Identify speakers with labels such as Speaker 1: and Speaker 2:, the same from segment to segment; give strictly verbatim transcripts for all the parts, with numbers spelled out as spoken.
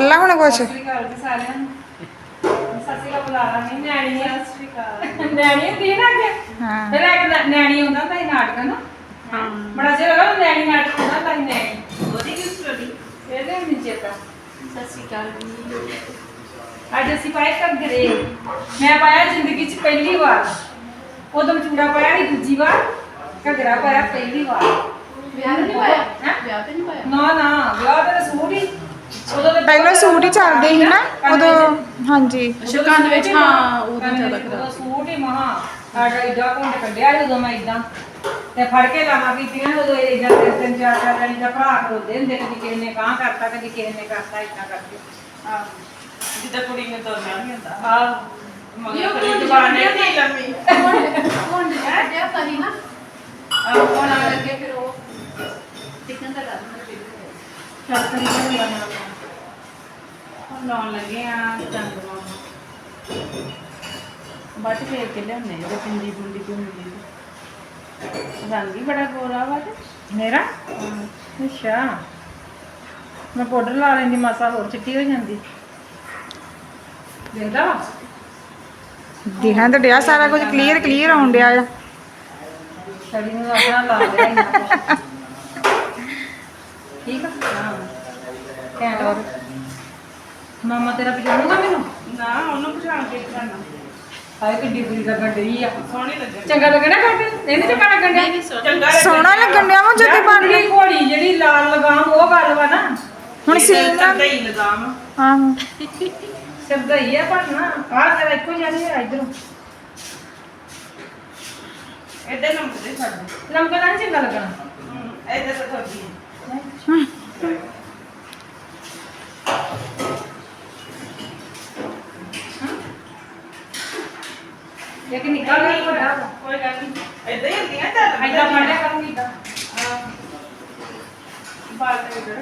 Speaker 1: ਬੋਲਣਾ ਹੁਣ ਕੁਛ।
Speaker 2: ਸਤਿ ਸ਼੍ਰੀ ਅਕਾਲ ਜੀ ਸਾਰਿਆਂ ਨੂੰ। ਸਤਿ ਸ਼੍ਰੀ ਅਕਾਲ ਬੁਲਾ ਲਾਂਗੇ ਨਿਆਣੀ ਆ। ਸਤਿ ਸ਼੍ਰੀ ਅਕਾਲ ਨਿਆਣੀ ਹੁੰਦੀ ਨਾ ਅੱਗੇ।
Speaker 1: ਹਾਂ
Speaker 2: ਫਿਰ ਇੱਕ ਨਿਆਣੀ ਹੁੰਦਾ ਤਾਂ ਨਾਟਕ ਨਾ। ਹਾਂ ਬੜਾ ਜਿਹਾ ਲੱਗਾ ਨਿਆਣੀ ਨਾਟਕ ਹੁੰਦਾ ਤਾਂ ਨਿਆਣੀ ਉਹਦੀ ਕੀ ਸਟੋਰੀ ਇਹਦੇ ਵਿੱਚ ਚੇਤਾ। ਸਤਿ ਸ਼੍ਰੀ ਅਕਾਲ ਜੀ। ਅੱਜ ਅਸੀਂ ਪਾਏ ਘੱਗਰੇ। ਮੈਂ ਪਾਇਆ ਜ਼ਿੰਦਗੀ 'ਚ ਪਹਿਲੀ ਵਾਰ। ਉਦੋਂ ਚੂੜਾ ਪਾਇਆ ਸੀ ਦੂਜੀ ਵਾਰ, ਘੱਗਰਾ ਪਾਇਆ ਪਹਿਲੀ ਵਾਰ। ਵਿਆਹ ਤੇ ਨਹੀਂ ਪਾਇਆ? ਵਿਆਹ ਤੇ ਨਹੀਂ ਪਾਇਆ? ਨਾ ਨਾ ਵਿਆਹ ਤੇ ਸੂਟ ਹੀ। ਉਦੋਂ ਤੇ
Speaker 1: ਪਹਿਲਾਂ ਸੂਟ ਹੀ ਚੱਲਦੇ ਸੀ ਨਾ ਉਦੋਂ। ਹਾਂਜੀ
Speaker 2: ਅੱਛਾ ਕੰਨ ਵਿੱਚ ਹਾਂ ਉਦੋਂ ਜ਼ਿਆਦਾ ਕਰਾ ਸੂਟ ਹੀ ਮਹਾ ਆਡਾ ਇਦਾਂ ਘੁੰਡ ਕੱਢਿਆ ਜਦੋਂ ਮੈਂ ਇਦਾਂ ਤੇ ਫੜ ਕੇ ਲਾਵਾਂ ਕੀਤੀਆਂ ਉਦੋਂ ਇਦਾਂ ਤਿੰਨ ਤਿੰਨ ਚਾਰ ਚਾਰ ਜਣੀ ਦਾ ਭਰਾ ਖਲੋਦੇ ਹੁੰਦੇ, ਕਦੀ ਕਿਸੇ ਨੇ ਕਾਂ ਕਰਤਾ ਕਦੀ ਕਿਸੇ ਨੇ ਕਰਤਾ ਇਦਾਂ ਕਰਕੇ। ਆਹ ਜਿੱਦਾਂ ਕੁੜੀ ਨੇ ਤੁਰਨਾ ਨਹੀਂ ਹੁੰਦਾ। ਆਹ ਮਗਰ ਕਦੀ ਜ਼ਬਾਨ ਨਹੀਂ ਢੀ ਲੰਮੀ ਘੁੰਡ ਕੱਢਿਆ ਕਰੀ ਨਾ। ਆਹ ਉਹਨਾਂ ਲੱਗੇ ਫਿਰ ਉਹ ਟਿਕਨ ਦਾ ਗੱਲ ਚੱਲ ਕਰੀ ਜਾਂਦਾ ਨਾ ਹੁਣ ਲਾਉਣ ਲੱਗੇ ਆ ਚੰਦ ਮਾਮਾ ਬੱਟ ਫੇਰ ਕੇ ਲਿਆਉਂਦੇ ਜਿਹੜੇ ਪਿੰਡੀ ਪੁੰਡੀ ਤੋਂ ਮਿਲੀ ਰੰਗ ਹੀ ਬੜਾ ਗੋਰਾ ਵਾ ਤੇ ਮੇਰਾ। ਅੱਛਾ ਮੈਂ ਪਾਊਡਰ ਲਾ ਲੈਂਦੀ ਮਾਸਾ ਹੋਰ ਚਿੱਟੀ ਹੋ ਜਾਂਦੀ। ਦੇਖਦਾ ਵਾ
Speaker 1: ਦਿਖਾਂ ਤਾਂ ਡਿਆ ਸਾਰਾ ਕੁਝ ਕਲੀਅਰ ਕਲੀਅਰ ਆਉਣ ਡਿਆ ਆ।
Speaker 2: ਛੜੀ ਨੂੰ ਆਪਣਾ ਲਾ ਲਿਆ ਇੰਨਾ ਕੁਛ। ਠੀਕ ਆ ਹਾਂ ਘੈਂਟ ਹੋਰ ਮਾਮਾ ਤੇਰਾ ਪਛਾਣੂਗਾ ਮੈਨੂੰ? ਨਾ ਉਹਨੂੰ ਪਛਾਣ ਕੇ ਕਰਨਾ। ਹਾਏ ਕਿੱਡੀ ਬੁਰੀ ਲੱਗਣ ਡਈ ਆ। ਸੋਹਣੀ ਲੱਗਣ ਚੰਗਾ ਲੱਗਣਾ ਕੱਟ ਇਹਨੇ ਚੰਗਾ ਲੱਗਣ ਡਿਆ ਚੰਗਾ
Speaker 1: ਸੋਹਣਾ ਲੱਗਣ ਡਿਆ ਵਾ ਜਦੋਂ ਬਣ ਗਈ
Speaker 2: ਘੋੜੀ ਜਿਹੜੀ ਲਾਲ ਲਗਾਮ ਉਹ ਗੱਲ ਵਾ ਨਾ।
Speaker 1: ਹੁਣ ਸੀਨ
Speaker 2: ਸਰਦਈ ਲਗਾਮ
Speaker 1: ਆਹੋ
Speaker 2: ਸਰਦਈ ਆ ਪਰ ਨਾ ਆਹ ਤੇਰਾ ਇੱਕੋ ਜਿਹਾ ਨਹੀਂ ਹੈ ਇਧਰੋਂ ਇੱਧਰ ਲੰਮਦੇ ਸਾਡੇ ਲੰਮਦਾ ਨਹੀਂ ਚੰਗਾ ਲੱਗਣਾ ਇੱਧਰ ਤਾਂ ਥੋੜੀ ਇੱਕ ਨਿਕਲ ਨਹੀਂ ਵੱਡਾ ਕੋਈ ਗੱਲ ਨਹੀਂ ਇਦਾਂ ਹੀ ਹੁੰਦੀਆਂ ਚੱਲ ਇਦਾਂ ਫੜਿਆ ਕਰੂੰਗੀ ਇਦਾਂ ਬਾਲ ਤੇ ਇਧਰ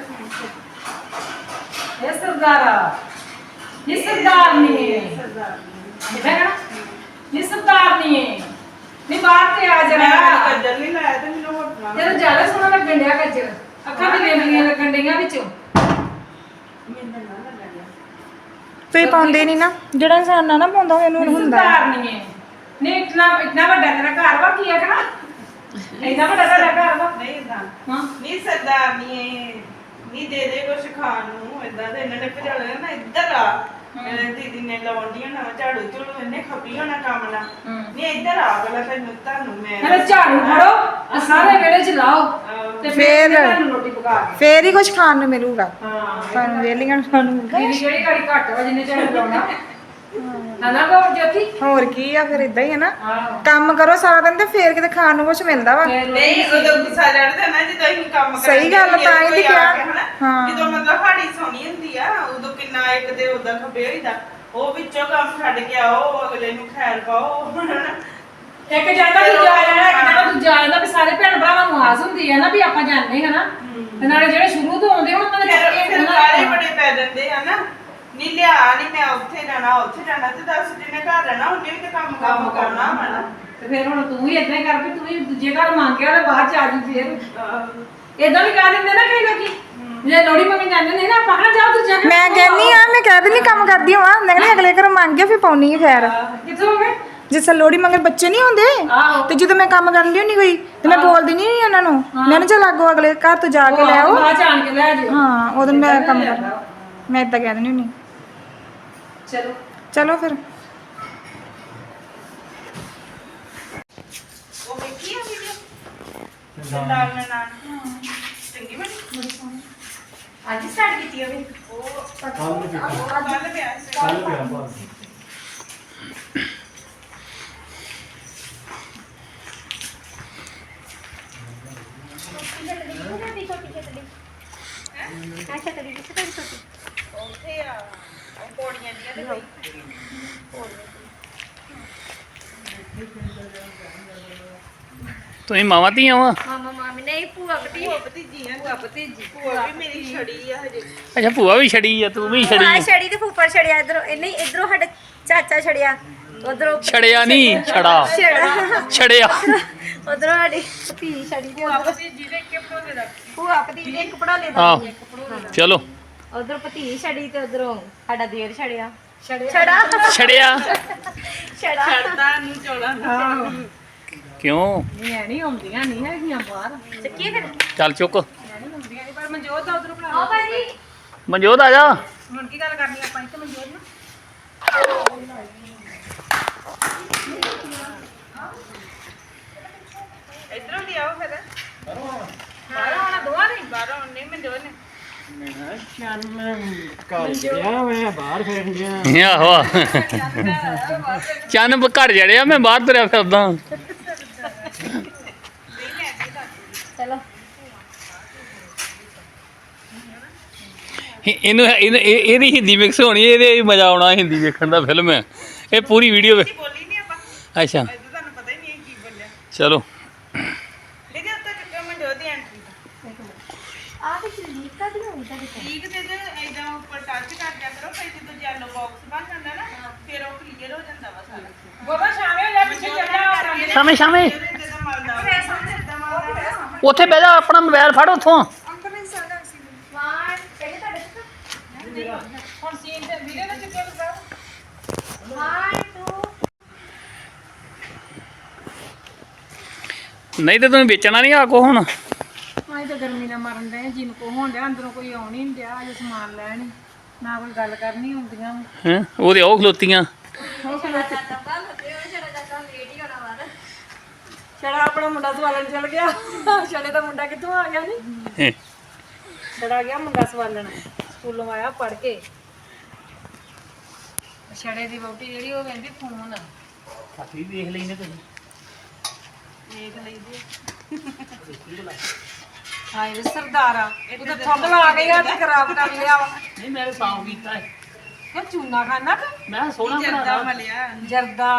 Speaker 2: ਇਹ ਸਰਦਾਰਾ ਇਹ ਸਰਦਾਰਨੀ ਹੈ ਸਰਦਾਰਨੀ ਹੈ ਇਹ ਸਰਦਾਰਨੀ ਹੈ ਨਹੀਂ ਬਾਹਰ ਤੇ ਆ ਜਰਾ ਕੱਜਰ ਨਹੀਂ ਲਾਇਆ ਤੇ ਮੈਨੂੰ ਹੋਟਣਾ ਤੇਰਾ ਜ਼ਿਆਦਾ ਸੋਹਣਾ ਲੱਗਣ ਡਿਆ ਕੱਜਰ ਅੱਖਾਂ ਤੇ ਵੇਲੀਆਂ ਲੱਗਣ ਡਈਆਂ ਵਿੱਚੋਂ ਮੈਨੂੰ ਨਾ ਲੱਗਣ ਡਿਆ
Speaker 1: ਤੁਸੀਂ ਪਾਉਂਦੇ ਨਹੀਂ ਨਾ ਜਿਹੜਾ ਇਨਸਾਨ ਨਾ ਨਾ ਪਾਉਂਦਾ ਹੋਇਆ ਉਹਨੂੰ ਹੁੰਦਾ
Speaker 2: ਸਰਦਾਰਨੀ ਹੈ ਨਹੀਂ ਇਤਨਾ ਇਤਨਾ ਵੱਡਾ ਤੇਰਾ ਘਰ ਵਾ ਕੀ ਆਖਣਾ ਇੰਨਾ ਵੱਡਾ ਤੇਰਾ ਘਰ ਵਾ ਨਹੀਂ ਇਦਾਂ ਹਾਂ ਨਹੀਂ ਸਰਦਾਰਨੀ ਹੈ ਨਹੀਂ ਦੇ ਦੇ ਕੁਛ ਖਾਣ ਨੂੰ ਇਦਾਂ ਤੇ ਇਹਨਾਂ ਨੇ ਭਜਾ ਲਿਆ ਨਾ ਇੱਧਰ ਆ ਮੇਰੇ ਦੀਦੀ ਨੇ ਲਾਉਂਦੀਆਂ ਨਾ ਝਾੜੂ ਝੂੜੂ ਇਹਨੇ ਖਪੀ ਹੋਣਾ ਕੰਮ ਨਾਲ ਨਹੀਂ ਇੱਧਰ ਆ ਪਹਿਲਾਂ ਤੈਨੂੰ ਤੁਹਾਨੂੰ ਮੈਂ ਅਰੇ ਝਾੜੂ ਫੜੋ ਆ ਸਾਰੇ ਵੇਲੇ ਚ ਲਾਓ ਤੇ
Speaker 1: ਫੇਰ
Speaker 2: ਤੁਹਾਨੂੰ ਰੋਟੀ ਪਕਾ ਕੇ
Speaker 1: ਫੇਰ ਹੀ ਕੁਝ ਖਾਣ ਨੂੰ ਮਿਲੂਗਾ
Speaker 2: ਹਾਂ
Speaker 1: ਸਾਨੂੰ ਵੇਲੀਆਂ ਨੂੰ ਖਾਣ ਨੂੰ ਮਿਲੂਗਾ।
Speaker 2: ਦੀਦੀ ਜਿਹੜੀ ਘੜੀ ਘੱਟ ਵਾ ਜਿੰਨੇ ਝਾੜੂ ਲਾਉਣਾ ਨਾ ਨਾ ਕੋ ਜੋਤੀ
Speaker 1: ਹੋਰ ਕੀ ਆ ਫਿਰ ਇਦਾਂ ਹੀ ਹੈ ਨਾ
Speaker 2: ਆਹੋ
Speaker 1: ਕੰਮ ਕਰੋ ਸਾਰਾ ਦਿਨ ਤੇ ਫੇਰ ਕਿਤੇ ਖਾਣ ਨੂੰ ਕੁਝ ਮਿਲਦਾ ਵਾ।
Speaker 3: ਨਹੀਂ ਉਦੋਂ ਗੁੱਸਾ ਚੜਦਾ ਨਾ ਜਦੋਂ ਅਸੀਂ ਕੰਮ ਕਰਦੇ
Speaker 1: ਸਹੀ ਗੱਲ ਤਾਂ ਹੀ ਤੇ ਕਿਹਾ
Speaker 3: ਹਾਂ ਜਦੋਂ ਮਤਲਬ ਹਾੜੀ ਸੋਹਣੀ ਹੁੰਦੀ ਆ ਉਦੋਂ ਕਿੰਨਾ ਇੱਕ ਤੇ ਉਦਾਂ ਖਪੇ ਹੋਈਦਾ ਉਹ ਵਿੱਚੋਂ ਕੰਮ ਛੱਡ ਕੇ ਆਓ ਅਗਲੇ ਨੂੰ ਖੈਰ ਪਾਓ
Speaker 2: ਇੱਕ ਜਾਂਦਾ ਦੂਜਾ ਆ ਜਾਣਾ ਇੱਕ ਜਾਂਦਾ ਦੂਜਾ ਆ ਜਾਂਦਾ ਵੀ ਸਾਰੇ ਭੈਣ ਭਰਾਵਾਂ ਨੂੰ ਆਸ ਹੁੰਦੀ ਹੈ ਨਾ ਵੀ ਆਪਾਂ ਜਾਂਦੇ ਹਾਂ ਨਾ ਤੇ ਨਾਲੇ ਜਿਹੜੇ ਸ਼ੁਰੂ ਤੋਂ ਆਉਂਦੇ ਉਹਨਾਂ ਦੇ
Speaker 3: ਫਿਰ ਸਾਰੇ ਬੜੇ ਪੈ ਜਾਂਦੇ ਆ ਨਾ ਨਹੀਂ ਲਿਆ ਨਹੀਂ ਮੈਂ ਉੱਥੇ ਜਾਣਾ ਉੱਥੇ ਜਾਣਾ ਤੇ ਦੱਸ ਜਿਹਨੇ ਘਰ ਰਹਿਣਾ ਉਹਨੇ ਵੀ ਤੇ ਕੰਮ ਕੰਮ ਕਰਨਾ ਪੈਣਾ
Speaker 2: ਤੇ ਫਿਰ ਹੁਣ ਤੂੰ ਵੀ ਇਦਾਂ ਹੀ ਕਰ ਵੀ ਤੂੰ ਵੀ ਦੂਜੇ ਘਰ ਮੰਗ ਕੇ ਤੇ ਬਾਅਦ ਚ ਆ ਜੀ ਫੇਰ ਇਦਾਂ ਵੀ ਕਹਿ ਦਿੰਦੇ ਨਾ ਕਈ ਲੋਕੀ ਜੇ ਲੋੜੀ ਮੰਗਣ ਜਾਂਦੇ ਨੇ ਨਾ ਆਪਾਂ ਕਹਾਂ ਜਾ ਤੂੰ ਜਾ ਕੇ
Speaker 1: ਮੈਂ ਕਹਿੰਨੀ ਆ ਮੈਂ ਕਹਿ ਦਿੰਨੀ ਕੰਮ ਕਰਦੀ ਹਾਂ ਮੈਂ ਕਹਿੰਦੀ ਅਗਲੇ ਘਰੋਂ ਮੰਗ ਕੇ ਫਿਰ ਪਾਉਣੀ ਹੈ ਖੈਰ
Speaker 2: ਕਿੱਥੋਂ ਹੋ ਗਏ
Speaker 1: ਜਿਸ ਲੋੜੀ ਮੰਗਣ ਬੱਚੇ ਨਹੀਂ ਹੁੰਦੇ ਤੇ ਜਦੋਂ ਮੈਂ ਕੰਮ ਕਰਨ ਦੀ ਹੁੰਦੀ ਕੋਈ ਤੇ ਮੈਂ ਬੋਲਦੀ ਨਹੀਂ ਉਹਨਾਂ ਨੂੰ ਮੈਂ ਨਾ ਚੱਲ ਆਗੋ ਅਗਲੇ ਘਰ ਤੋਂ ਜਾ ਕੇ ਲੈ ਆਓ
Speaker 2: ਬਾਅਦ ਚ ਆਣ ਕੇ ਲੈ ਜਿਓ
Speaker 1: ਹਾਂ ਉਦੋਂ ਮੈਂ ਕੰਮ ਕਰਨਾ ਮੈਂ ਇਦਾਂ ਕਹਿ ਦਿੰਦੀ ਹੁੰਦੀ
Speaker 2: ਚਲੋ
Speaker 1: ਚਲੋ ਫਿਰ
Speaker 3: ਉਹ ਵੇਖੀ ਆ ਵੀਡੀਓ ਸਰਦਾਰ ਨੇ ਨਾਲ ਚੰਗੀ ਬਣੀ ਅੱਜ ਸਟਾਰਟ ਕੀਤੀ ਹੋਵੇ ਉਹ ਕੱਲ ਪਿਆ ਸੀ
Speaker 4: ਕੱਲ ਪਿਆ ਬਸ
Speaker 3: ਉੱਥੇ ਆ ਉਹ ਪੌੜੀਆਂ ਦੀਆਂ ਤੇ ਕੋਈ
Speaker 5: ਤੁਸੀਂ ਮਾਵਾਂ ਧੀਆਂ ਵਾ
Speaker 6: ਮਾਮਾ ਮਾਮੀ ਨਹੀਂ ਭੂਆ ਭਤੀ
Speaker 3: ਭੂਆ ਭਤੀਜੀ ਆ ਭਤੀਜੀ ਭੂਆ ਵੀ ਮੇਰੀ ਛੜੀ ਆ ਹਜੇ
Speaker 5: ਅੱਛਾ ਭੂਆ ਵੀ ਛੜੀ ਆ ਤੂੰ ਵੀ ਛੜੀ
Speaker 6: ਭੂਆ
Speaker 5: ਆ।
Speaker 6: ਛੜੀ ਤੇ ਫੁੱਫੜ ਛੜਿਆ ਇਧਰੋਂ ਇਹ ਨਹੀਂ ਇਧਰੋਂ ਸਾਡਾ ਚਾਚਾ ਛੜਿਆ ਉਧਰੋਂ
Speaker 5: ਛੜਿਆ ਨਹੀਂ ਛੜਾ
Speaker 6: ਛੜਾ
Speaker 5: ਛੜਿਆ
Speaker 6: ਉਧਰੋਂ ਸਾਡੀ ਭਤੀ ਛੜੀ ਤੇ
Speaker 3: ਭੂਆ ਭਤੀਜੀ ਦੇ ਕੇ ਪੜੋਲੇ ਦਾ
Speaker 6: ਭੂਆ ਭਤੀ ਦੇ ਇੱਕ ਪੜਾਲੇ ਦਾ
Speaker 5: ਆਹ ਚਲੋ
Speaker 6: ਉਧਰੋਂ ਭਤੀ ਛੜੀ ਤੇ ਉਧਰੋਂ ਸਾਡਾ ਦੇਰ ਛੜਿਆ
Speaker 1: ਛੜਿਆ
Speaker 6: ਛੜਾ
Speaker 5: ਛੜਿਆ
Speaker 6: ਛੜਾ
Speaker 3: ਛੱਡਦਾ ਨੂੰ ਚੋਲਾ
Speaker 5: ਕਿਉਂ
Speaker 2: ਨਹੀਂ ਨਹੀਂ ਆਉਂਦੀਆਂ ਨਹੀਂ ਹੈਗੀਆਂ ਬਾਹਰ
Speaker 6: ਚੱਕੀ ਫਿਰ
Speaker 5: ਚੱਲ ਚੁੱਕ
Speaker 2: ਨਹੀਂ ਆਉਂਦੀਆਂ ਨਹੀਂ ਪਰ ਮਨਜੋਤ ਦਾ ਉਧਰੋਂ ਬਣਾ
Speaker 6: ਆਓ ਭਾਜੀ
Speaker 5: ਮਨਜੋਤ ਆ ਜਾ
Speaker 2: ਹੁਣ ਕੀ ਗੱਲ ਕਰਨੀ ਆਪਾਂ ਇੱਥੇ ਮਨਜੋਤ ਨਾਲ
Speaker 3: ਇਧਰੋਂ ਦੀ ਆਓ ਫਿਰ
Speaker 2: ਬਾਹਰ ਆਉਣਾ ਦੋਵਾਂ ਨੇ
Speaker 3: ਬਾਹਰੋਂ ਨਹੀਂ ਮੈਂ ਜੋ ਨੇ
Speaker 5: ਆਹੋ ਚੰਨ ਘਰ ਜੜਿਆ ਮੈਂ ਬਾਹਰ ਤੁਰਿਆ ਫਿਰਦਾ
Speaker 6: ਚਲੋ
Speaker 5: ਇਹ- ਇਹਨੂੰ ਇਹਨੂੰ- ਇਹ- ਇਹਦੀ ਹਿੰਦੀ ਮਿਕਸ ਹੋਣੀ ਇਹਦੇ ਵੀ ਮਜ਼ਾ ਆਉਣਾ ਹਿੰਦੀ ਵੇਖਣ ਦਾ ਫਿਲਮ ਹੈ ਇਹ ਪੂਰੀ ਵੀਡੀਓ ਵੇ
Speaker 3: ਬੋਲੀ ਨਹੀਂ ਆਪਾਂ
Speaker 5: ਅੱਛਾ
Speaker 3: ਇਹ ਤੁਹਾਨੂੰ ਪਤਾ ਹੀ ਨਹੀਂ ਕੀ ਬੋਲਿਆ
Speaker 5: ਚਲੋ
Speaker 3: ਲੇਕਿਨ ਉੱਤੇ ਚੁੱਕਿਆ ਮੈਂ ਜੋ ਦੀ ਐਂਟਰੀ
Speaker 6: ਆ ਤੇ ਲੀਕ ਕਾ ਦੀ ਹੋਈ ਤੁਹਾਡੇ ਕੋਲ
Speaker 3: ਠੀਕ ਤੇ ਤੇ ਇਦਾਂ ਉੱਪਰ ਟੱਚ ਕਰ ਦਿਆ ਕਰੋ ਫਿਰ ਜਦੋਂ ਯੈਲੋ ਬਾਕਸ ਬਣ ਜਾਂਦਾ ਨਾ ਫਿਰ ਉਹ ਕਲੀਅਰ ਹੋ ਜਾਂਦਾ ਵਾ ਸਾਰਾ
Speaker 2: ਗੋਬਾ ਸ਼ਾਮੇ ਹੋ ਜਾ ਪਿੱਛੇ ਚੱਲ ਜਾ
Speaker 5: ਸ਼ਾਮੇ ਸ਼ਾਮੇ
Speaker 3: ਜਦੋਂ ਮਲਦਾ ਫਿਰ ਸਾਹਮਣੇ ਇਦਾਂ ਮਲਦਾ
Speaker 5: ਉੱਥੇ ਬਹਿ ਜਾ ਆਪਣਾ ਮੋਬਾਈਲ ਫੜ ਉੱਥੋਂ
Speaker 6: ਵਾਨ ਕਿਹੜੇ ਤੁਹਾਡੇ ਤੋਂ
Speaker 2: ਹੁਣ ਸੀਨ ਤੇ ਵੀਡੀਓ ਦਾ ਚੁੱਕਿਆ ਤੁਸੀਂ
Speaker 6: ਵਾਨ ਟੂ
Speaker 5: ਨਹੀਂ ਤੇ ਤੂੰ ਵੇਚਣਾ ਨਹੀਂ ਆ ਕੋ ਹੁਣ
Speaker 2: ਆਈ ਤਾਂ ਗਰਮੀ ਨਾਲ ਮਰਨ ਦੇ ਜਿੰਨ ਕੋ ਹੋਣ ਡਿਆ ਅੰਦਰੋਂ ਕੋਈ ਆਉਣ ਹੀ ਨਹੀਂ ਡਿਆ ਅਜੇ ਸਮਾਨ ਲੈਣ ਹੀ ਨਾ ਕੋਈ ਗੱਲ ਕਰਨੀ ਹੁੰਦੀਆਂ
Speaker 5: ਹੈ ਉਹਦੇ ਉਹ ਖਲੋਤੀਆਂ
Speaker 2: ਛੜਾ ਆਪਣਾ ਮੁੰਡਾ ਸਵਾਲਣ ਚਲ ਗਿਆ ਛੜੇ ਦਾ ਮੁੰਡਾ ਕਿੱਥੋਂ ਆ ਗਿਆ ਨਹੀਂ
Speaker 5: ਹੈਂ।
Speaker 2: ਛੜਾ ਗਿਆ ਮੁੰਡਾ ਸਵਾਲਣ ਸਕੂਲੋਂ ਆਇਆ ਪੜ ਕੇ ਛੜੇ ਦੀ ਵਹੁਟੀ ਜਿਹੜੀ ਉਹ ਕਹਿੰਦੀ ਫੋਨ
Speaker 5: ਕਾਫੀ ਵੇਖ ਲੈਨੇ ਤੁਸੀਂ
Speaker 2: ਦੇਖ ਲਈਦੀ ਹਾਏ ਵੇ ਸਰਦਾਰਾ ਉਹ ਤਾਂ ਥੰਬ ਲਾ ਕੇ ਆ ਤੇ ਖਰਾਬ ਕਰ ਲਿਆ ਵਾ
Speaker 5: ਨਹੀਂ ਮੈਂ ਸਾਫ ਕੀਤਾ ਹੈ
Speaker 2: ਕਿ ਚੂਨਾ ਖਾਣਾ ਕਿ
Speaker 5: ਮੈਂ ਸੋਹਣਾ
Speaker 3: ਜਰਦਾ
Speaker 5: ਬਣਾਦਾ
Speaker 3: ਮਲਿਆ
Speaker 2: ਜਰਦਾ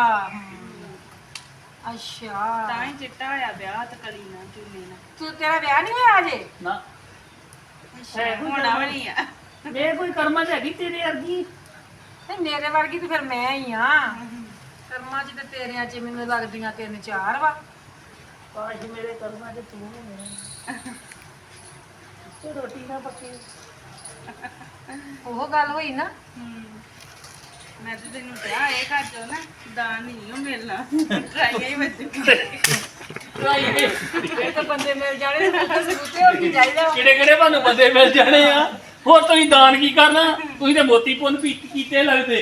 Speaker 2: ਅੱਛਾ
Speaker 3: ਤਾਂ ਹੀ ਚਿੱਟਾ ਹੋਇਆ ਵਿਆਹ ਤੇ ਕਲੀ ਨਾ ਚੁੰਨੀ ਨਾ
Speaker 2: ਤੂੰ ਤੇਰਾ ਵਿਆਹ ਨਹੀਂ ਹੋਇਆ ਅਜੇ
Speaker 5: ਨਾ
Speaker 3: ਹੋਣਾ ਵੀ ਨਹੀਂ ਆ
Speaker 5: ਮੇਰੇ ਕੋਈ ਕਰਮਾਂ 'ਚ ਹੈਗੀ ਤੇਰੇ ਵਰਗੀ
Speaker 2: ਤੇ ਮੇਰੇ ਵਰਗੀ ਤੇ ਫਿਰ ਮੈਂ ਹੀ ਆ ਕਰਮਾਂ 'ਚ ਤੇ ਤੇਰਿਆਂ 'ਚ ਮੈਨੂੰ ਲੱਗਦੀਆਂ ਤਿੰਨ ਚਾਰ ਵਾ
Speaker 5: ਕਾਸ਼ ਮੇਰੇ ਕਰਮਾਂ 'ਚ ਤੂੰ ਹੋਵੇਂ ਤੇ ਰੋਟੀ ਨਾ ਪੱਕੀ
Speaker 2: ਉਹ ਗੱਲ ਹੋਈ ਨਾ
Speaker 3: ਮੈਂ ਤੇ ਤੈਨੂੰ ਕਿਹਾ ਇਹ ਘਰ ਚੋਂ ਨਾ ਦਾਨ ਨਹੀਂ ਉਹ ਮਿਲਣਾ ਟਰਾਈਆਂ ਹੀ ਵੱਜੂਗੀ
Speaker 2: ਇਹ ਤਾਂ ਬੰਦੇ ਮਿਲ ਜਾਣੇ ਤੇ ਸਬੂਤੇ ਹੋ ਕੀ ਚਾਹੀਦਾ ਵਾ।
Speaker 5: ਕਿਹੜੇ ਕਿਹੜੇ ਤੁਹਾਨੂੰ ਬੰਦੇ ਮਿਲ ਜਾਣੇ ਆ ਹੋਰ ਤੁਸੀਂ ਦਾਨ ਕੀ ਕਰਨਾ ਤੁਸੀਂ ਤੇ ਮੋਤੀ ਪੁੰਨ ਪੀ ਕੀਤੇ ਲੱਗਦੇ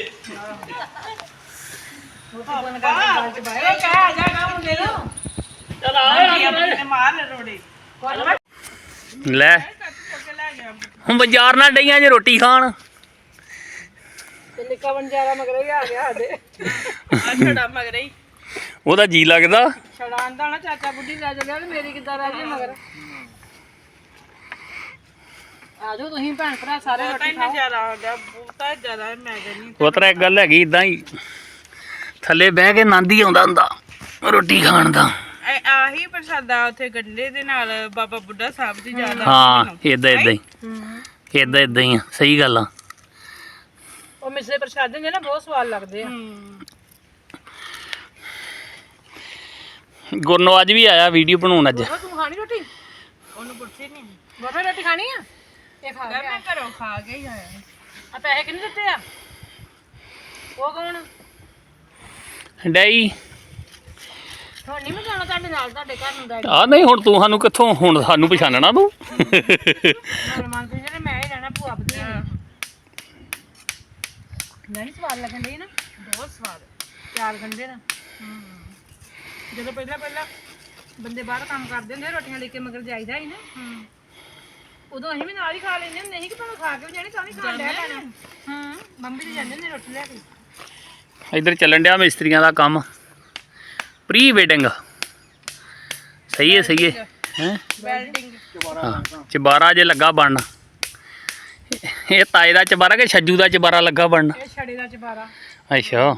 Speaker 2: ਇਹ ਕਹਿ ਆ ਜਾ ਗਾ ਮੁੰਡੇ ਨੂੰ
Speaker 5: ਚਲ
Speaker 3: ਮੰਗੀ ਆਪਣੇ ਤੇ ਮਾਰ ਰੋੜੇ
Speaker 5: ਲੈ
Speaker 3: ਕੇ ਲੈ ਗਿਆ
Speaker 5: ਹੁਣ ਬਾਜ਼ਾਰ ਨਾਲ ਡਈਆਂ ਜੇ ਰੋਟੀ ਖਾਣ
Speaker 2: ਤੇ ਨਿੱਕਾ ਬੰਜਾਰਾ ਮਗਰੇ ਹੀ ਆ ਗਿਆ ਸਾਡੇ
Speaker 3: ਆ ਛੜਾ ਮਗਰੇ ਹੀ
Speaker 5: ਉਹਦਾ ਜੀ ਲੱਗਦਾ
Speaker 2: ਛੜਾਂ ਦਾ ਨਾ ਚਾਚਾ ਬੁੱਢੀ ਲੈ ਚੱਲਿਆ ਤੇ ਮੇਰੀ ਕਿੱਦਾਂ ਰਹਿ ਗਈ ਮਗਰ ਆ ਜਾਓ ਤੁਸੀਂ ਭੈਣ ਭਰਾ ਸਾਰੇ
Speaker 3: ਤਾਂ
Speaker 2: ਰੋਟੀ
Speaker 3: ਇੰਨਾ
Speaker 2: ਖਾਓ
Speaker 3: ਜ਼ਿਆਦਾ ਆਉਂਦਾ ਬਹੁਤਾ ਜ਼ਿਆਦਾ ਮੈਂ ਕਹਿੰਦੀ
Speaker 5: ਉਤਰਾ ਇੱਕ ਗੱਲ ਹੈਗੀ ਇਦਾਂ ਹੀ ਥੱਲੇ ਬਹਿ ਕੇ ਆਨੰਦ ਹੀ ਆਉਂਦਾ ਹੁੰਦਾ ਰੋਟੀ ਖਾਣ ਦਾ
Speaker 3: ਇਹ ਆਹੀ ਪ੍ਰਸਾਦਾ ਉੱਥੇ ਗੰਡੇ ਦੇ ਨਾਲ ਬਾਬਾ ਬੁੱਢਾ ਸਾਹਿਬ ਦੀ ਜ਼ਿਆਦਾ
Speaker 5: ਹਾਂ ਇਦਾਂ ਇਦਾਂ ਹੀ ਇਦਾਂ ਇਦਾਂ ਹੀ ਆ ਸਹੀ ਗੱਲ ਆ
Speaker 2: ਉਹ ਮਿਸਲੇ ਪ੍ਰਸ਼ਾਦੇ ਹੁੰਦੇ ਨਾ ਬਹੁਤ ਸਵਾਦ ਲੱਗਦੇ ਆ
Speaker 3: ਹੂੰ
Speaker 5: ਗੁਰਨੋ ਅੱਜ ਵੀ ਆਇਆ ਵੀਡੀਓ ਬਣਾਉਣ ਅੱਜ
Speaker 2: ਉਹ ਤੂੰ ਖਾਣੀ ਰੋਟੀ
Speaker 3: ਉਹਨੂੰ ਪੁੱਛੀ ਨਹੀਂ
Speaker 2: ਗੋਪੇ ਰੋਟੀ ਖਾਣੀ ਆ ਇਹ ਖਾ ਗਿਆ
Speaker 3: ਮੈਂ ਘਰੋਂ ਖਾ ਕੇ ਹੀ ਆਇਆ
Speaker 2: ਆ ਪੈਸੇ ਕਿੰਨੇ ਦਿੱਤੇ ਆ ਉਹ ਕੌਣ
Speaker 5: ਡੈਈ
Speaker 2: ਹੁਣ ਨਹੀਂ ਮੈਂ ਜਾਣਾ ਤੁਹਾਡੇ ਨਾਲ ਤੁਹਾਡੇ ਘਰ ਨੂੰ ਡੈਡੀ
Speaker 5: ਆ ਨਹੀਂ ਹੁਣ ਤੂੰ ਸਾਨੂੰ ਕਿੱਥੋਂ ਹੁਣ ਸਾਨੂੰ ਪਛਾਣਨਾ ਤੂੰ
Speaker 2: ਮਨ ਤੇ ਜਿਹੜੇ ਮੈਂ ਹੀ ਰਹਿਣਾ ਭੂਆ ਬਦੀ ਨਹੀਂ ਸਵਾਦ ਲੱਗਣ ਡਈ ਨਾ ਬਹੁਤ ਸਵਾਦ ਚਾਰ ਗੰਡੇ ਨਾ ਜਦੋਂ ਪਹਿਲਾਂ ਪਹਿਲਾਂ ਬੰਦੇ ਬਾਹਰ ਕੰਮ ਕਰਦੇ ਹੁੰਦੇ ਰੋਟੀਆਂ ਲੈ ਕੇ ਮਗਰ ਜਾਈਦਾ ਹੀ ਨਾ ਉਦੋਂ ਅਸੀਂ ਵੀ ਨਾਲ ਹੀ ਖਾ ਲੈਂਦੇ ਹੁੰਦੇ ਸੀ ਕਿ ਭਾਵੇਂ ਖਾ ਕੇ ਵੀ ਜਾਣੀ ਤਾਂ ਵੀ ਖਾ ਲਿਆ ਪੈਣਾ ਹਾਂ ਮੰਮੀ ਤੇ ਜਾਂਦੇ ਹੁੰਦੇ ਰੋਟੀ ਲੈ ਕੇ
Speaker 5: ਇੱਧਰ ਚੱਲਣ ਡਿਆ ਮਿਸਤਰੀਆਂ ਦਾ ਕੰਮ ਪ੍ਰੀ ਵੈਡਿੰਗ ਸਹੀ ਹੈ ਸਹੀ ਹੈ ਹੈ
Speaker 3: ਵੈਲਡਿੰਗ
Speaker 5: ਹਾਂ ਚਬਾਰਾ ਜੇ ਲੱਗਾ ਬਣਨ ਇਹ ਤਾਏ ਦਾ ਚਬਾਰਾ ਕਿ ਛੱਜੂ ਦਾ ਚਬਾਰਾ ਲੱਗਾ ਬਣਨ
Speaker 2: ਇਹ ਛੜੇ ਦਾ ਚਬਾਰਾ
Speaker 5: ਅੱਛਾ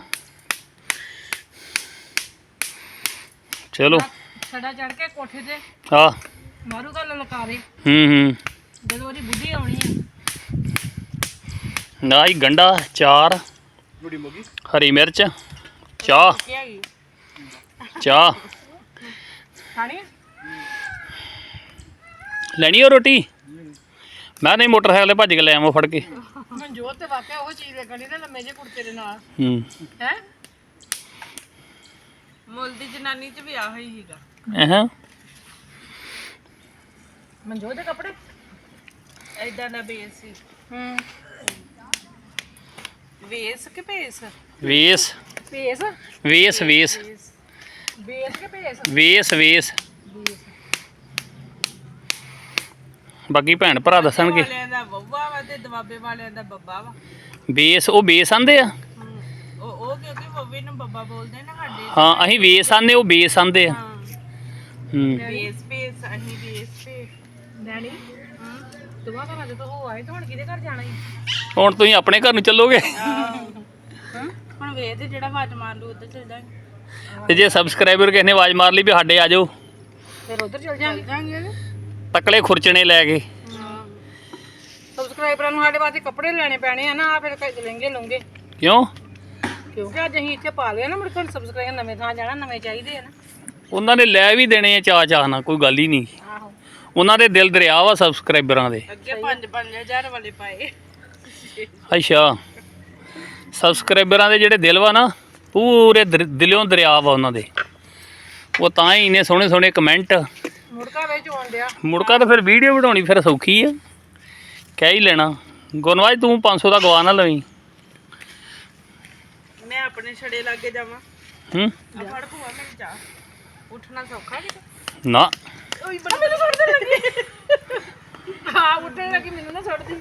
Speaker 5: ਚਲੋ
Speaker 2: ਛੜਾ ਚੜ ਕੇ ਕੋਠੇ ਤੇ
Speaker 5: ਆ
Speaker 2: ਮਾਰੂਗਾ ਲਲਕਾਰੇ
Speaker 5: ਹੂੰ ਹੂੰ
Speaker 2: ਜਦੋਂ ਉਹਦੀ ਬੁੱਢੀ ਆਉਣੀ ਆ
Speaker 5: ਨਾ ਹੀ ਗੰਡਾ ਚਾਰ ਹਰੀ ਮਿਰਚ ਚਾਹ
Speaker 3: ਕੀ ਹੈਗੀ
Speaker 5: ਚਾਹ
Speaker 2: ਖਾਣੀ ਆ?
Speaker 5: ਲੈਣੀ ਹੋ ਰੋਟੀ ਮੈਂ ਨਹੀਂ ਮੋਟਰਸਾਈਕਲ ਤੇ ਭੱਜ ਕੇ ਲੈ ਆਵਾਂ ਫੜ ਕੇ।
Speaker 2: ਮਨਜੋਤ ਤੇ ਵਾਕਿਆ ਉਹ ਚੀਜ਼ ਵੇਖਣੀ ਨਾ ਲੰਮੇ ਜੇ ਕੁੜਤੇ ਦੇ ਨਾਲ
Speaker 5: ਹੂੰ
Speaker 2: ਹੈ ਮੁੱਲ ਦੀ ਜਨਾਨੀ ਚ ਵੀ ਆਹੀ ਹੀਗਾ।
Speaker 5: ਹਾਂ
Speaker 2: ਮਨਜੋਤ ਦੇ ਕੱਪੜੇ ਐਦਾਂ ਦਾ ਬੇਸ ਸੀ। ਹੂੰ ਵੇਸ ਕਿ ਭੇਸ
Speaker 5: ਵੇਸ
Speaker 2: ਭੇਸ
Speaker 5: ਵੇਸ ਵੇਸ
Speaker 2: ਬੇਸ ਕਿ ਭੇਸ
Speaker 5: ਵੇਸ ਵੇਸ ਬਾਕੀ ਭੈਣ ਭਰਾ ਦੱਸਣਗੇ।
Speaker 2: ਵਾਲਿਆਂ ਦਾ ਬੱਬਾ ਵਾ ਤੇ ਦਵਾਬੇ ਵਾਲਿਆਂ ਦਾ ਬੱਬਾ ਵਾ।
Speaker 5: ਬੇਸ ਉਹ ਬੇਸ ਆਂਦੇ ਆ।
Speaker 2: ਉਹ ਉਹ ਕਿਉਂਕਿ ਬੱਬੇ ਨੂੰ ਬੱਬਾ ਬੋਲਦੇ ਨਾ ਸਾਡੇ।
Speaker 5: ਹਾਂ ਅਸੀਂ ਵੇਸ ਆਂਦੇ ਉਹ ਬੇਸ ਆਂਦੇ ਆ। ਹੂੰ
Speaker 2: ਬੇਸ ਬੇਸ ਅਸੀਂ ਬੇਸ ਤੇ ਡੈਡੀ ਹਾਂ ਦੁਆ ਘਰਾਂ ਦੇ ਤੋਂ ਹੋ ਆਏ ਤੇ ਹੁਣ ਕਿਹਦੇ ਘਰ ਜਾਣਾ ਈ?
Speaker 5: ਹੁਣ ਤੁਸੀਂ ਆਪਣੇ ਘਰ ਨੂੰ ਚੱਲੋਗੇ
Speaker 2: ਹੁਣ ਵੇਖ ਤੇ ਜਿਹੜਾ ਆਵਾਜ਼ ਮਾਰ ਲੂ ਉੱਧਰ ਚੱਲ ਜਾਾਂਗੇ
Speaker 5: ਤੇ ਜੇ ਸਬਸਕ੍ਰਾਈਬਰ ਕਿਸੇ ਨੇ ਆਵਾਜ਼ ਮਾਰ ਲਈ ਵੀ ਸਾਡੇ ਆ ਜਾਓ
Speaker 2: ਫਿਰ ਉੱਧਰ ਚੱਲ ਜਾਾਂਗੇ
Speaker 5: ਤਕਲੇ ਖੁਰਚਣੇ ਲੈ ਕੇ।
Speaker 2: ਹਾਂ ਸਬਸਕ੍ਰਾਈਬਰਾਂ ਨੂੰ ਸਾਡੇ ਵਾਸਤੇ ਕੱਪੜੇ ਲੈਣੇ ਪੈਣੇ ਆ ਨਾ ਆ ਫਿਰ ਲਹਿੰਗੇ ਲਉਂਗੇ
Speaker 5: ਕਿਉਂ?
Speaker 2: ਕਿਉਂਕਿ ਅੱਜ ਅਸੀਂ ਇੱਥੇ ਪਾ ਲਿਆ ਨਾ ਮੁੜ ਕੇ ਸਬਸਕ੍ਰਾਈਬਰ ਨਵੇਂ ਥਾਂ ਜਾਣਾ ਨਵੇਂ ਚਾਹੀਦੇ ਆ ਨਾ।
Speaker 5: ਉਹਨਾਂ ਨੇ ਲੈ ਵੀ ਦੇਣੇ ਆ ਚਾਅ ਚਾਅ ਨਾਲ ਕੋਈ ਗੱਲ ਹੀ ਨਹੀਂ।
Speaker 2: ਆਹੋ
Speaker 5: ਉਹਨਾਂ ਦੇ ਦਿਲ ਦਰਿਆ ਵਾ ਸਬਸਕ੍ਰਾਈਬਰਾਂ ਦੇ।
Speaker 2: ਅੱਗੇ ਪੰਜ ਪੰਜ ਹਜ਼ਾਰ ਵਾਲੇ ਪਾਏ।
Speaker 5: ਅੱਛਾ ਸਬਸਕ੍ਰਾਈਬਰਾਂ ਦੇ ਜਿਹੜੇ ਦਿਲ ਵਾ ਨਾ ਪੂਰੇ ਦਰ- ਦਿਲੋਂ ਦਰਿਆ ਵਾ ਉਹਨਾਂ ਦੇ। ਉਹ ਤਾਂ ਹੀ ਇੰਨੇ ਸੋਹਣੇ ਸੋਹਣੇ ਕਮੈਂਟ।
Speaker 2: ਮੁੜਕਾ ਵਿੱਚ ਆਉਣ ਡਿਆ
Speaker 5: ਮੁੜਕਾ ਤਾਂ ਫਿਰ ਵੀਡੀਓ ਬਣਾਉਣੀ ਫਿਰ ਸੌਖੀ ਆ ਕਹਿ ਹੀ ਲੈਣਾ। ਗੁਰਨਵਾਜ ਤੂੰ ਪੰਜ ਸੌ ਦਾ ਗਵਾ ਨਾ ਲਵੀਂ।
Speaker 2: ਮੈਂ ਆਪਣੇ ਛੜੇ ਲਾਗੇ ਜਾਵਾਂ
Speaker 5: ਹੂੰ
Speaker 2: ਆ ਫੜ ਭੂਆ ਮੇਰੀ ਜਾ ਉੱਠਣਾ ਸੌਖਾ ਕਿਤੇ
Speaker 5: ਨਾ
Speaker 2: ਓਏ ਬੜਾ ਮੈਨੂੰ ਸੁੱਟਣ ਲੱਗੀ ਹਾਂ ਉੱਠਣ ਲੱਗੀ ਮੈਨੂੰ ਨਾ ਸੁੱਟਦੀ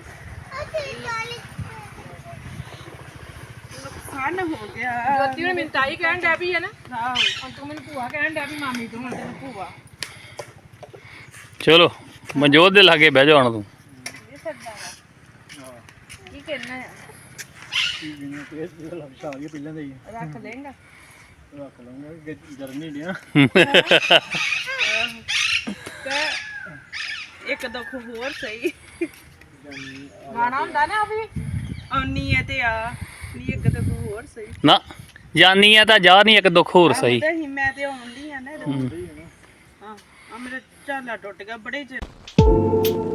Speaker 2: ਨੁਕਸਾਨ ਹੋ ਗਿਆ ਜੋਤੀ ਨੇ ਮੈਨੂੰ ਤਾਈ ਕਹਿਣ ਡੈ ਪਈ ਹੈ ਨਾ ਆਹੋ ਹੁਣ ਤੂੰ ਮੈਨੂੰ ਭੂਆ ਕਹਿਣ ਡੈ ਪਈ ਮਾਮੀ ਤੂੰ ਹੁਣ ਤੈਨੂੰ ਭੂਆ
Speaker 5: ਚਲੋ ਮਨਜੋਤ ਦੇ ਲਾਗੇ ਬਹਿ ਜਾ ਹੁਣ ਤੂੰ।
Speaker 2: ਕੀ ਕਹਿਣਾ ਹੈ ਰੱਖ ਲੇਂਗਾ ਤੇ ਇੱਕ ਦੁੱਖ ਹੋਰ ਸਹੀ ਗਾਣਾ ਹੁੰਦਾ ਨਾ ਉਹ ਵੀ ਆਉਣੀ ਹੈ ਤੇ ਆ ਨਹੀਂ ਇੱਕ ਦੁੱਖ ਹੋਰ ਸਹੀ
Speaker 5: ਨਾ ਜਾਨੀ ਆ ਤਾਂ ਜਾ ਨਹੀਂ ਇੱਕ ਦੁੱਖ ਹੋਰ ਸਹੀ।
Speaker 2: ਆਉਂਦਾ ਸੀ ਮੈਂ ਤੇ ਆਉਂਦੀ ਆ ਨਾ ਹਾਂ ਆ ਮੇਰਾ ਝਾਲਾ ਟੁੱਟ ਗਿਆ ਬੜੇ ਚਿਰ